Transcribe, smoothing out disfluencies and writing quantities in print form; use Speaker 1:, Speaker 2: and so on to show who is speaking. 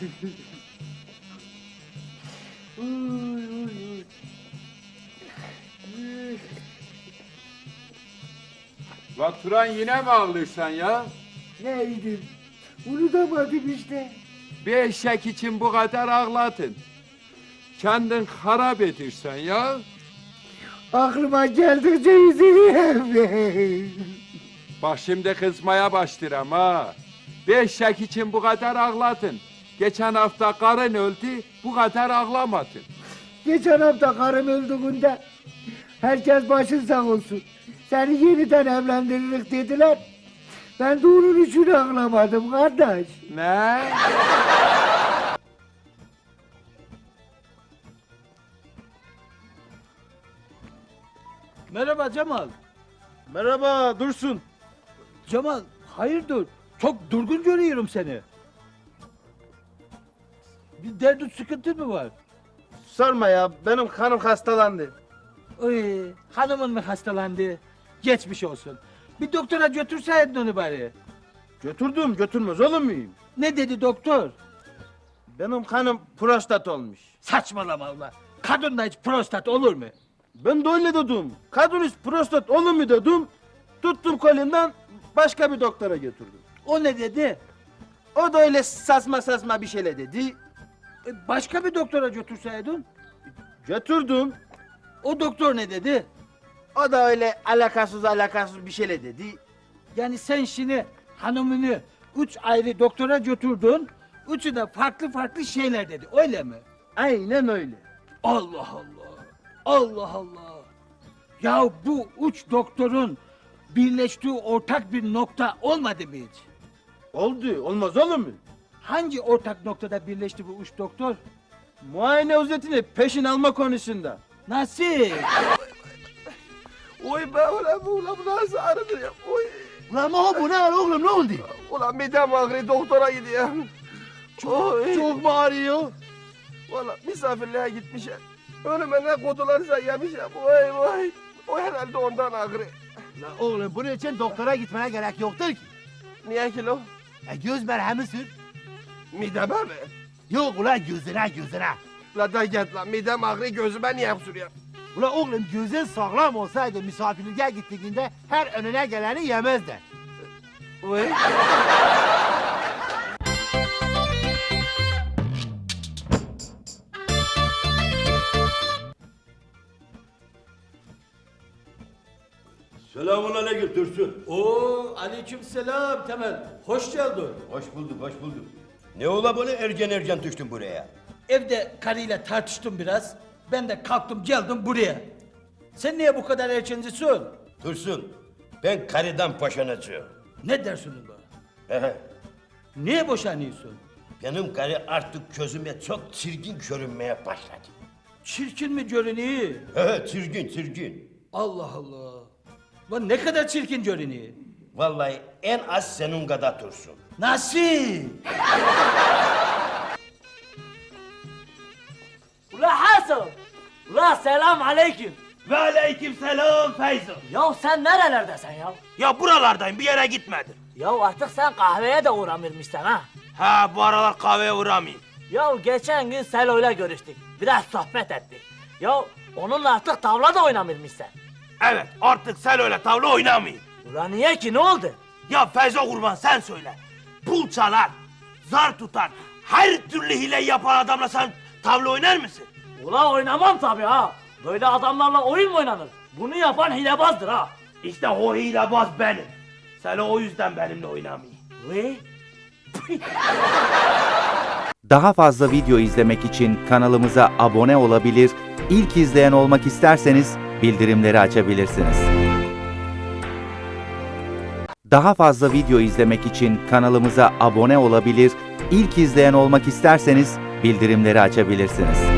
Speaker 1: La Turan yine mi ağlıyorsun ya?
Speaker 2: Neydim? Unutamadım işte.
Speaker 1: Bir eşek için bu kadar ağladın. Kendin harap edirsen ya.
Speaker 2: Aklıma geldikçe üzülüyorum.
Speaker 1: Bak şimdi kızmaya başlayacağım ha. Bir eşek için bu kadar ağladın. Geçen hafta karın öldü, bu kadar ağlamadın.
Speaker 2: Geçen hafta karım öldüğünde herkes başın sağ olsun. Seni yeniden evlendiririk dediler. Ben de onun için ağlamadım kardeş.
Speaker 1: Ne?
Speaker 3: Merhaba Cemal.
Speaker 4: Merhaba Dursun.
Speaker 3: Cemal, hayırdır? Çok durgun görüyorum seni. Bir derdin sıkıntın mı var?
Speaker 4: Sorma ya, benim hanım hastalandı.
Speaker 3: Oy, hanımın mı hastalandı? Geçmiş olsun. Bir doktora götürseydin onu bari.
Speaker 4: Götürdüm, götürmez olur muyum?
Speaker 3: Ne dedi doktor?
Speaker 4: Benim hanım prostat olmuş.
Speaker 3: Saçmalama Allah. Kadında hiç prostat olur mu?
Speaker 4: Ben de öyle dedim. Kadın hiç prostat olur mu dedim. Tuttum kolinden başka bir doktora götürdüm.
Speaker 3: O ne dedi?
Speaker 4: O da öyle saçma bir şeyle dedi.
Speaker 3: Başka bir doktora götürseydin.
Speaker 4: Götürdüm.
Speaker 3: O doktor ne dedi?
Speaker 4: O da öyle alakasız bir şeyle dedi.
Speaker 3: Yani sen şimdi hanımını 3 ayrı doktora götürdün. Üçü de farklı şeyler dedi. Öyle mi?
Speaker 4: Aynen öyle.
Speaker 3: Allah Allah. Allah Allah. Ya bu üç doktorun birleştiği ortak bir nokta olmadı mı hiç?
Speaker 4: Oldu, olmaz olur mu?
Speaker 3: Hangi ortak noktada birleşti bu üç doktor?
Speaker 4: Muayene ücretini peşin alma konusunda.
Speaker 3: Nasıl?
Speaker 5: Oy be ulan bu nasıl ağrıdır ya? Oy.
Speaker 2: Ulan Maho bu ne var oğlum ne oldu?
Speaker 5: Ulan midem ağrıyor doktora gidiyorum.
Speaker 4: Çok mu ağrıyor?
Speaker 5: Valla misafirliğe gitmişim. Önüme ne kutularsa yemişim. Vay. O herhalde ondan ağrıyor.
Speaker 2: Ulan oğlum bunun için doktora gitmene gerek yoktur ki.
Speaker 5: Niye ki lo?
Speaker 2: Göz merhemi sür.
Speaker 5: Mideme mi?
Speaker 2: Yok ulan gözüne.
Speaker 5: La da git lan midem ağrıyor gözüme niye sürüyor?
Speaker 2: Ulan oğlum gözün sağlam olsaydı misafirliğe gittiğinde her önüne geleni yemezdi.
Speaker 5: Vay.
Speaker 6: Selamünaleyküm Dursun.
Speaker 3: Oo, aleykümselam Temel. Hoş geldin.
Speaker 6: Hoş bulduk. Ne ola böyle erken düştün buraya?
Speaker 3: Evde karıyla tartıştım biraz. Ben de kalktım geldim buraya. Sen niye bu kadar erkencisin?
Speaker 6: Dursun, ben karıdan boşanacağım.
Speaker 3: Ne dersin bu?
Speaker 6: Ehe,
Speaker 3: Niye boşanıyorsun?
Speaker 6: benim karı artık gözüme çok çirkin görünmeye başladı.
Speaker 3: Çirkin mi görünüyor?
Speaker 6: Çirkin.
Speaker 3: Allah Allah. Lan ne kadar çirkin görünüyor.
Speaker 6: Vallahi en az senin kadar Dursun.
Speaker 3: Nasıl?
Speaker 7: Ula Hasan! Ula selam aleyküm!
Speaker 8: Ve aleyküm selam Feyzo.
Speaker 7: Ya sen nerelerdesin ya?
Speaker 8: Ya buralardayım, bir yere gitmedim.
Speaker 7: Ya artık sen kahveye de uğramışsın ha?
Speaker 8: Ha, bu aralar kahveye uğramayayım.
Speaker 7: Ya geçen gün Selo'yla görüştük. Biraz sohbet ettik. Ya onunla artık tavla da oynamışsın.
Speaker 8: Evet, artık sen öyle tavla oynamayayım.
Speaker 7: Ula niye ki ne oldu?
Speaker 8: Ya Feyzo kurban sen söyle. Pul çalar, zar tutar, her türlü hile yapan adamla sen tavla oynar mısın?
Speaker 7: Ula oynamam tabii ha. Böyle adamlarla oyun mu oynanır? Bunu yapan hilebazdır ha.
Speaker 8: İşte o hilebaz benim. Sen o yüzden benimle oynamayın.
Speaker 7: Ve?
Speaker 9: Daha fazla video izlemek için kanalımıza abone olabilir, ilk izleyen olmak isterseniz bildirimleri açabilirsiniz. Daha fazla video izlemek için kanalımıza abone olabilir, ilk izleyen olmak isterseniz bildirimleri açabilirsiniz.